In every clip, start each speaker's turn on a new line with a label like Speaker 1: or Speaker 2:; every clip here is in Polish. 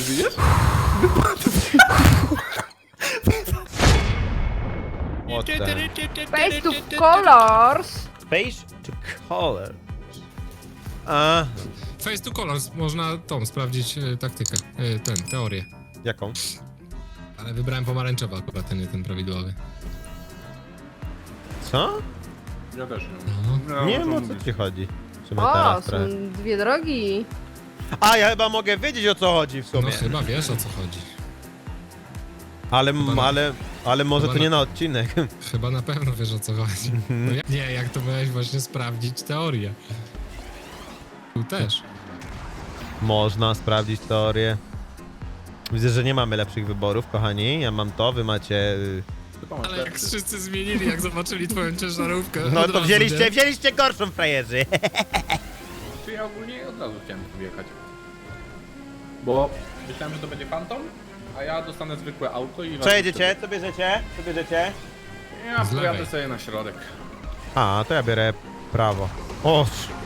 Speaker 1: żyjesz?
Speaker 2: What the...
Speaker 3: Face to colors.
Speaker 2: Face to color. A,
Speaker 4: Face to colors, można tą sprawdzić taktykę, teorię.
Speaker 2: jaką?
Speaker 4: Ale wybrałem pomarańczowy akurat, ten nie ten prawidłowy.
Speaker 2: Co?
Speaker 1: Ja też nie.
Speaker 4: No.
Speaker 2: Nie wiem, o co ci chodzi. W sumie
Speaker 3: O,
Speaker 2: teraz
Speaker 3: są
Speaker 2: trochę.
Speaker 3: dwie drogi.
Speaker 2: A, ja chyba mogę wiedzieć, o co chodzi w
Speaker 4: No
Speaker 2: sumie.
Speaker 4: chyba wiesz, o co chodzi.
Speaker 2: Ale może
Speaker 4: chyba
Speaker 2: to nie na odcinek.
Speaker 4: Chyba na pewno wiesz, o co chodzi. No nie, jak to miałeś właśnie sprawdzić teorię. Tu też.
Speaker 2: Można sprawdzić teorię. Widzę, że nie mamy lepszych wyborów, kochani. Ja mam to, wy macie...
Speaker 1: Chyba masz
Speaker 4: Ale jak
Speaker 1: lepszy.
Speaker 4: wszyscy zmienili, jak zobaczyli twoją ciężarówkę.
Speaker 2: No
Speaker 4: od
Speaker 2: to
Speaker 4: razu,
Speaker 2: wzięliście gorszą, frajerzy.
Speaker 1: Czy ja ogólnie od razu chciałem tu wjechać. Bo myślałem, że to będzie Phantom, a ja dostanę zwykłe auto i...
Speaker 2: Co jedziecie? Co bierzecie? Co bierzecie?
Speaker 1: Ja
Speaker 4: Z
Speaker 1: pojadę
Speaker 4: lewej.
Speaker 1: sobie na środek.
Speaker 2: A, to ja biorę prawo. O,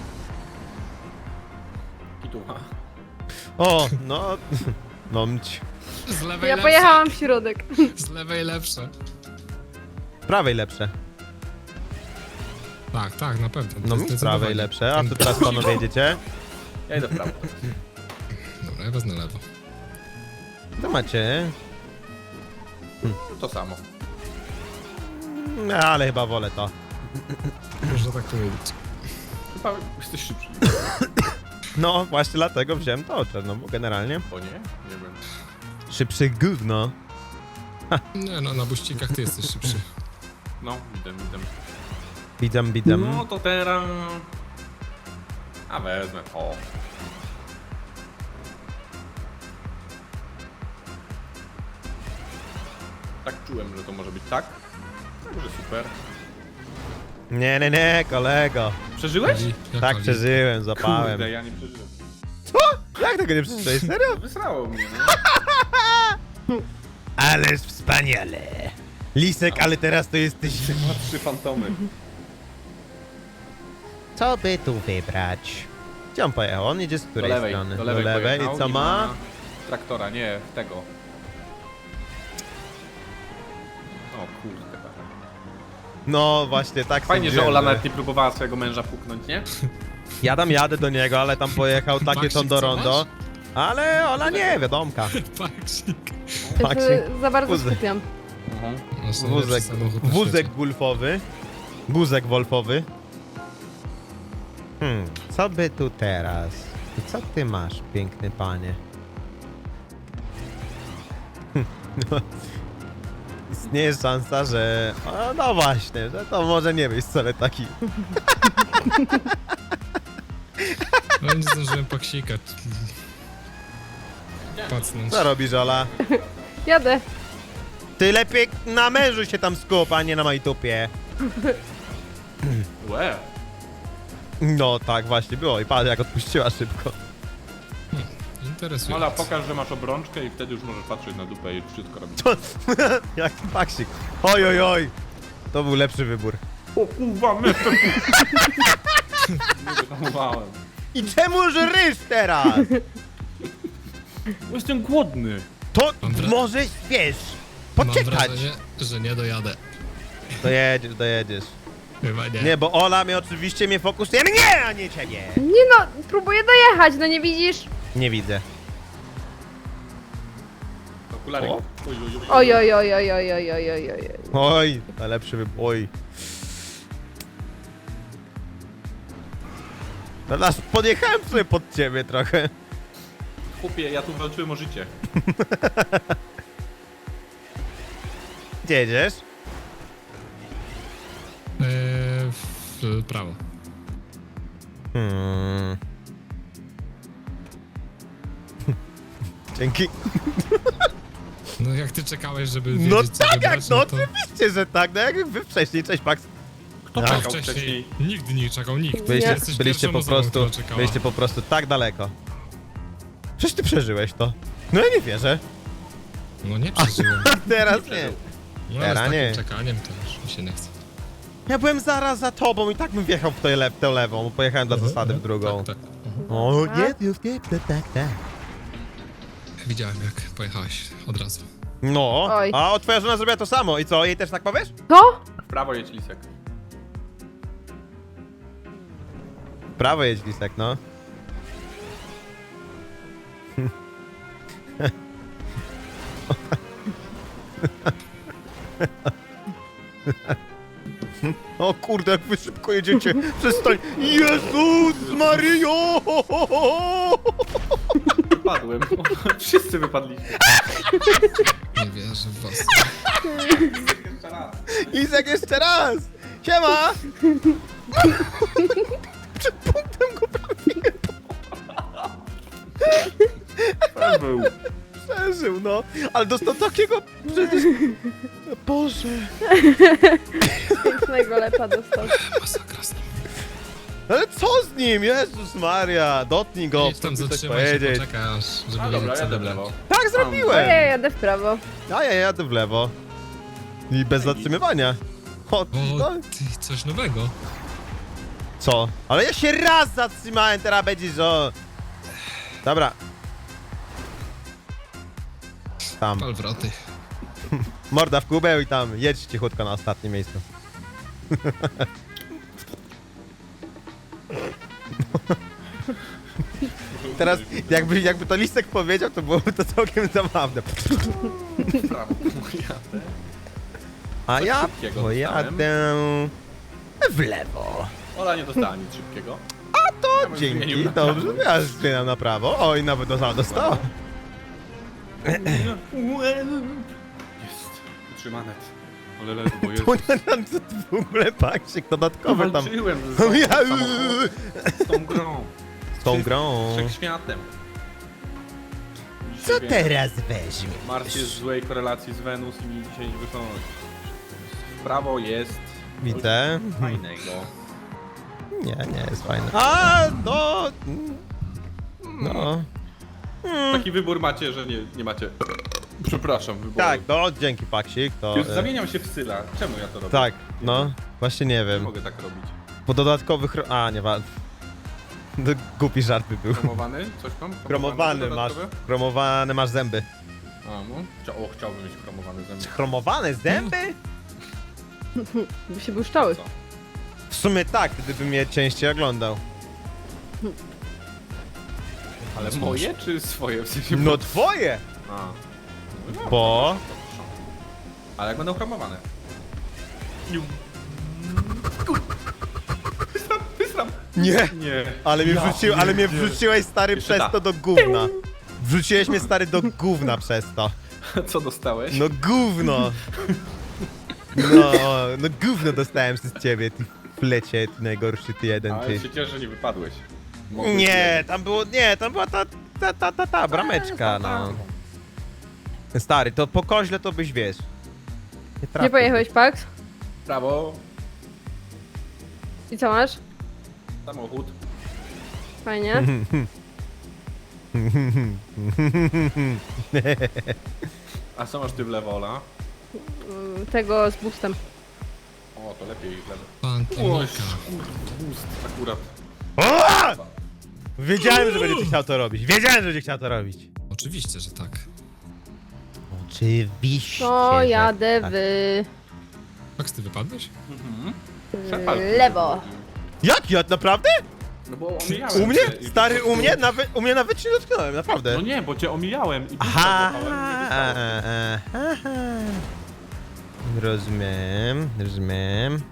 Speaker 1: Kituła.
Speaker 2: o, no... No mć.
Speaker 4: nie? Z lewej
Speaker 3: Ja
Speaker 4: lepsze.
Speaker 3: pojechałam w środek.
Speaker 4: Z lewej lepsze.
Speaker 2: Z prawej lepsze.
Speaker 4: Tak, tak, na pewno.
Speaker 2: No mi z prawej
Speaker 4: Zdecydowanie.
Speaker 2: lepsze. A to teraz panowie jedziecie?
Speaker 1: Ja idę w prawo.
Speaker 4: Dobra, ja wezmę lewo.
Speaker 2: To macie.
Speaker 1: To samo.
Speaker 2: No, ale chyba wolę to.
Speaker 4: Można tak powiedzieć.
Speaker 1: Chyba jesteś szybszy.
Speaker 2: No, właśnie dlatego wziąłem to czarno, bo generalnie
Speaker 1: O nie? Nie wiem.
Speaker 2: szybszy gówno.
Speaker 4: Nie no, na buścikach ty jesteś szybszy.
Speaker 1: No, idę.
Speaker 2: Widzę.
Speaker 1: No to teraz... A wezmę to. Tak czułem, że to może być tak. Także super.
Speaker 2: Nie, kolego.
Speaker 1: Przeżyłeś?
Speaker 4: Jak
Speaker 2: Tak
Speaker 4: chodzi?
Speaker 2: przeżyłem, zapałem.
Speaker 1: Kurde, ja nie przeżyłem.
Speaker 2: Jak tego nie przeczytałeś? Serio?
Speaker 1: Wysrało mnie, no.
Speaker 2: Ależ wspaniale. Lisek, ale teraz to jesteś...
Speaker 1: Ma 3 fantomy.
Speaker 2: Co by tu wybrać? Gdzie on pojechał? On jedzie z
Speaker 1: Do
Speaker 2: której
Speaker 1: lewej,
Speaker 2: strony?
Speaker 1: do lewej pojechał
Speaker 2: I co ma?
Speaker 1: Traktora, nie, tego. O kurde.
Speaker 2: No właśnie, tak
Speaker 1: Fajnie, że
Speaker 2: sądziłem,
Speaker 1: Ola nawet nie próbowała swojego męża puknąć, nie?
Speaker 2: Ja tam jadę do niego, ale tam pojechał takie
Speaker 4: Maksik,
Speaker 2: tondo
Speaker 4: co
Speaker 2: rondo. Ale Ola nie, wiadomka.
Speaker 4: Paksik.
Speaker 3: Ja
Speaker 2: Maksik.
Speaker 3: się za bardzo
Speaker 2: Wózek.
Speaker 3: skupiam.
Speaker 4: Nasz najlepszy
Speaker 2: Wózek,
Speaker 4: samochód na
Speaker 2: wózek
Speaker 4: świecie.
Speaker 2: gulfowy. Guzek wolfowy. Co by tu teraz? I co ty masz, piękny panie? Istnieje szansa, że... O, no właśnie, że to może nie być wcale taki...
Speaker 4: No nie zdążyłem paksika. Pacnąć.
Speaker 2: Co robisz, Ola?
Speaker 3: Jadę.
Speaker 2: Ty lepiej na mężu się tam skup, a nie na mojej tupie.
Speaker 1: Łe.
Speaker 2: No tak właśnie było i patrz jak odpuściła szybko.
Speaker 4: Interesujące.
Speaker 1: Ola, pokaż, że masz obrączkę i wtedy już możesz patrzeć na dupę i wszystko robić.
Speaker 2: Jak paksik. Oj, oj, oj. To był lepszy wybór.
Speaker 1: O kurwa, my to... Nie wyhamowałem.
Speaker 2: I czemu żrysz teraz?
Speaker 1: Bo jestem głodny.
Speaker 2: To
Speaker 4: Mam wra-
Speaker 2: może śpiesz.
Speaker 4: Mam
Speaker 2: Poczekać.
Speaker 4: wrażenie, że nie dojadę.
Speaker 2: Dojedziesz.
Speaker 4: Chyba nie.
Speaker 2: Nie, bo Ola oczywiście mnie fokusuje mnie, a nie ciebie.
Speaker 3: Nie no, próbuję dojechać, no nie widzisz?
Speaker 2: Nie widzę.
Speaker 1: Okulary.
Speaker 2: O.
Speaker 3: Oj, oj, oj, oj, oj, oj, oj, oj, oj.
Speaker 2: Oj, najlepszy wybór. Oj. Teraz podjechałem sobie pod ciebie trochę.
Speaker 1: Chłopie, ja tu walczyłem o życie.
Speaker 2: Gdzie jedziesz?
Speaker 4: W prawo.
Speaker 2: Dzięki.
Speaker 4: No jak ty czekałeś, żeby
Speaker 2: No
Speaker 4: wiedzieć, co
Speaker 2: tak,
Speaker 4: wybrać,
Speaker 2: jak, no
Speaker 4: to...
Speaker 2: oczywiście, że tak. No jak wy wcześniej, cześć Max.
Speaker 1: Kto
Speaker 2: No.
Speaker 4: Tak,
Speaker 1: czekał
Speaker 4: wcześniej.
Speaker 1: wcześniej?
Speaker 4: Nigdy nie czekał, nikt.
Speaker 2: Byliście,
Speaker 4: Jesteś
Speaker 2: byliście
Speaker 4: pierwszą
Speaker 2: po
Speaker 4: osobą,
Speaker 2: prostu,
Speaker 4: która czekała.
Speaker 2: byliście po prostu tak daleko. Przecież ty przeżyłeś to. No ja nie wierzę.
Speaker 4: No nie przeżyłem.
Speaker 2: Teraz nie.
Speaker 4: No ale z
Speaker 2: Teraz
Speaker 4: takim
Speaker 2: nie.
Speaker 4: czekaniem to już mi się nie chce.
Speaker 2: Ja byłem zaraz za tobą i tak bym wjechał w tę lewą, bo pojechałem dla zasady w drugą.
Speaker 4: Tak, tak.
Speaker 2: O, nie, tak.
Speaker 4: widziałem jak pojechałeś od razu.
Speaker 2: No,
Speaker 3: Oj.
Speaker 2: a twoja żona zrobiła to samo i co, jej też tak powiesz?
Speaker 3: To?
Speaker 1: W prawo jedź, Lisek.
Speaker 2: Prawo jedź, Lisek, no. O kurde, jak wy szybko jedziecie. Przestań. Jezus Mario!
Speaker 1: Wypadłem. Wszyscy wypadliśmy.
Speaker 4: Nie wierzę w was.
Speaker 1: Jeszcze raz.
Speaker 2: Lisek, jeszcze raz! Siema! Przed punktem go prawie
Speaker 1: Był.
Speaker 2: przeżył, no. Ale dostał takiego przecież... Boże.
Speaker 3: Pięknego lepa dostał.
Speaker 4: Masakra z nim.
Speaker 2: Ale co z nim? Jezus Maria, dotknij go,
Speaker 4: Idź tam,
Speaker 2: chcę coś
Speaker 4: zatrzymaj się,
Speaker 2: powiedzieć.
Speaker 4: poczekaj aż, żeby
Speaker 1: A dobra,
Speaker 4: wiedzieć, co
Speaker 1: jadę w
Speaker 4: wybrać.
Speaker 1: lewo.
Speaker 2: Tak
Speaker 3: O, ja
Speaker 2: zrobiłem!
Speaker 3: jadę w prawo.
Speaker 2: A ja jadę w lewo. I bez zatrzymywania. O, no,
Speaker 4: O, ty, coś nowego.
Speaker 2: co? Ale ja się raz zatrzymałem, teraz będziesz, o... Dobra. Tam.
Speaker 4: Pal wroty.
Speaker 2: Morda w kubeł i tam jedź cichutko na ostatnie miejsce. Teraz jakby to Lisek powiedział, to byłoby to całkiem zabawne.
Speaker 1: W prawo. Jadę.
Speaker 2: A ja
Speaker 1: szybkiego
Speaker 2: pojadę w lewo.
Speaker 1: Ola nie dostała nic szybkiego.
Speaker 2: To
Speaker 1: Ja bym
Speaker 2: dzięki,
Speaker 1: zmienił na
Speaker 2: dobrze,
Speaker 1: prawo.
Speaker 2: ja zmieniam na prawo. Oj, nawet dostała.
Speaker 1: Jest. Utrzymane. Ale ledwo, bo jest.
Speaker 2: To nie w ogóle paksik dodatkowy tam.
Speaker 1: Walczyłem z
Speaker 2: No ja-
Speaker 1: samochodem, z tą grą.
Speaker 2: Z tą grą.
Speaker 1: Wszechświatem.
Speaker 2: Co
Speaker 1: Dzisiaj
Speaker 2: teraz weźmie?
Speaker 1: Mars jest w złej korelacji z Wenus i mi dzisiaj nie wychodzi. W prawo jest
Speaker 2: Widzę.
Speaker 1: coś fajnego.
Speaker 2: Nie jest fajne. A, to... No.
Speaker 1: Taki wybór macie, że nie macie. Przepraszam, wyboru.
Speaker 2: Tak, no, dzięki paksik, to...
Speaker 1: Już zamieniam się w Syla. Czemu ja to robię?
Speaker 2: Tak, no. Właśnie nie
Speaker 1: Nie
Speaker 2: wiem.
Speaker 1: mogę tak robić.
Speaker 2: Po dodatkowych... A, nie wa... To głupi żart by był.
Speaker 1: Kromowany? Coś tam?
Speaker 2: Kromowany masz,
Speaker 1: dodatkowe?
Speaker 2: kromowane masz zęby.
Speaker 1: A, no. Chciałbym mieć kromowany zęby.
Speaker 2: Chromowane zęby?
Speaker 3: By się błyszczały.
Speaker 1: Co?
Speaker 2: W sumie tak, gdybym mnie częściej oglądał.
Speaker 1: Ale moje czy swoje? W sensie,
Speaker 2: No twoje!
Speaker 1: A. No dobra,
Speaker 2: Bo...
Speaker 1: Ale jak będą chromowane? Wysram!
Speaker 2: Nie!
Speaker 1: Nie.
Speaker 2: Ale mnie,
Speaker 1: Ja
Speaker 2: ale mnie
Speaker 1: pierdzielę.
Speaker 2: wrzuciłeś stary
Speaker 1: Jeszcze
Speaker 2: przez
Speaker 1: tak.
Speaker 2: to do gówna. Wrzuciłeś mnie stary do gówna przez to.
Speaker 1: Co dostałeś?
Speaker 2: No gówno! No, no gówno dostałem przez ciebie, ty flecie, ty najgorszy ty jeden,
Speaker 1: Ale
Speaker 2: ty.
Speaker 1: się cieszę, że nie wypadłeś. Mogłeś
Speaker 2: Nie, tam było, nie, tam była ta brameczka, no. Stary, to po koźle to byś wiesz.
Speaker 3: Nie
Speaker 2: trafił.
Speaker 3: pojechałeś, Pax?
Speaker 1: Prawo,
Speaker 3: I co masz?
Speaker 1: samochód.
Speaker 3: Fajnie.
Speaker 1: A co masz ty w lewo, Ola?
Speaker 3: Tego z boostem.
Speaker 1: O, to lepiej w lewo.
Speaker 4: Pantonika.
Speaker 1: Boost akurat.
Speaker 2: O! Wiedziałem, że będziecie chciał to robić. Wiedziałem, że będzie chciał to robić.
Speaker 4: Oczywiście, że tak.
Speaker 2: Oczywiście.
Speaker 3: To
Speaker 2: że
Speaker 3: jadę
Speaker 2: tak.
Speaker 3: w
Speaker 4: Max, ty wypadłeś?
Speaker 3: lewo.
Speaker 2: Jak ja naprawdę?
Speaker 1: No bo omijałem
Speaker 2: U mnie?
Speaker 1: cię i-
Speaker 2: Stary, u mnie nawet się nie dotknąłem, naprawdę.
Speaker 1: No nie, bo cię omijałem i
Speaker 2: Aha,
Speaker 1: aha.
Speaker 2: aha. Rozumiem, rozumiem.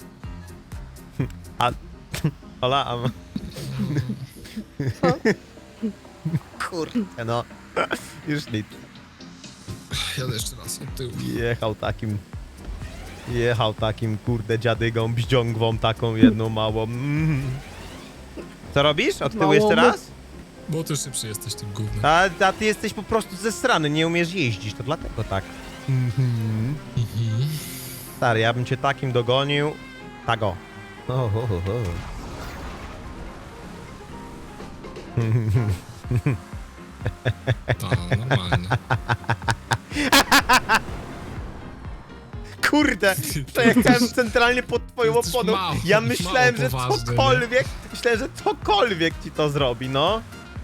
Speaker 2: A... Ola, a...
Speaker 3: Co?
Speaker 2: Kurde, no. Już nic.
Speaker 4: Jadę jeszcze raz od tyłu.
Speaker 2: Jechał takim, kurde, dziadygą, bździągwą taką jedną małą. Co robisz? Od tyłu
Speaker 3: Małą.
Speaker 2: jeszcze raz?
Speaker 4: Bo ty szybszy jesteś tym gównem.
Speaker 2: A ty jesteś po prostu zesrany, nie umiesz jeździć, to dlatego tak. Stary, ja bym cię takim dogonił. Tak o.
Speaker 4: Ta, normalnie.
Speaker 2: Kurde, przejechałem centralnie pod twoją
Speaker 4: Jesteś
Speaker 2: oponą.
Speaker 4: mało-
Speaker 2: Ja myślałem,
Speaker 4: mało
Speaker 2: że
Speaker 4: poważny,
Speaker 2: cokolwiek ci to zrobi, no.